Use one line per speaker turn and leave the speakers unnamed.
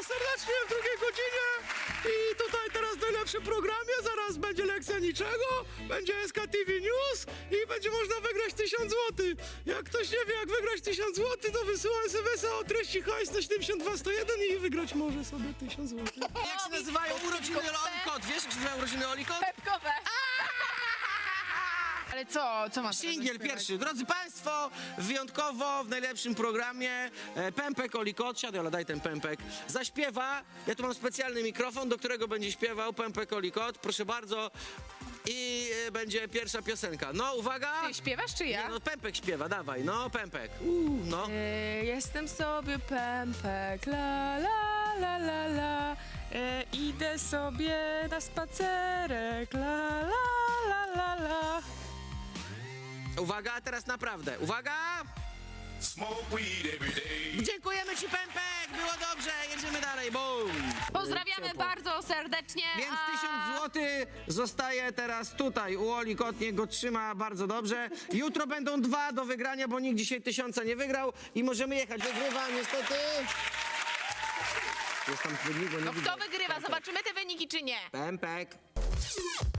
was serdecznie w drugiej godzinie i tutaj teraz w najlepszym programie, zaraz będzie lekcja niczego, będzie SKTV News i będzie można wygrać 1000 zł. Jak ktoś nie wie jak wygrać 1000 zł, to wysyła SMS-a o treści hajs na 72101 i wygrać może sobie 1000 zł.
Jak się nazywają urodziny Olikot? Wiesz, jak się nazywają urodziny Olikot?
Pepkowe. Ale co ma
Singiel pierwszy. Drodzy Państwo, wyjątkowo w najlepszym programie Pępek Olikot, siadaj, ale daj ten pępek, zaśpiewa, ja tu mam specjalny mikrofon, do którego będzie śpiewał Pępek Olikot, proszę bardzo, i będzie pierwsza piosenka. No, uwaga!
Ty śpiewasz czy ja?
Nie, no, Pępek śpiewa, dawaj, no, Pępek. No.
Jestem sobie pępek, la la la la la. Idę sobie na spacerek, la la la la la.
Uwaga, teraz naprawdę, uwaga!
Smoke weed every day.
Dziękujemy Ci, Pępek, było dobrze, jedziemy dalej, bum!
Pozdrawiamy
Ciepło.
bardzo serdecznie.
Więc 1000 zł zostaje teraz tutaj u Olikot, niech go trzyma bardzo dobrze. Jutro będą 2 do wygrania, bo nikt dzisiaj 1000 nie wygrał i możemy jechać. Wygrywa niestety. Jest tam wynik, bo nie
No
widzę.
kto wygrywa? Zobaczymy te wyniki czy nie.
Pępek.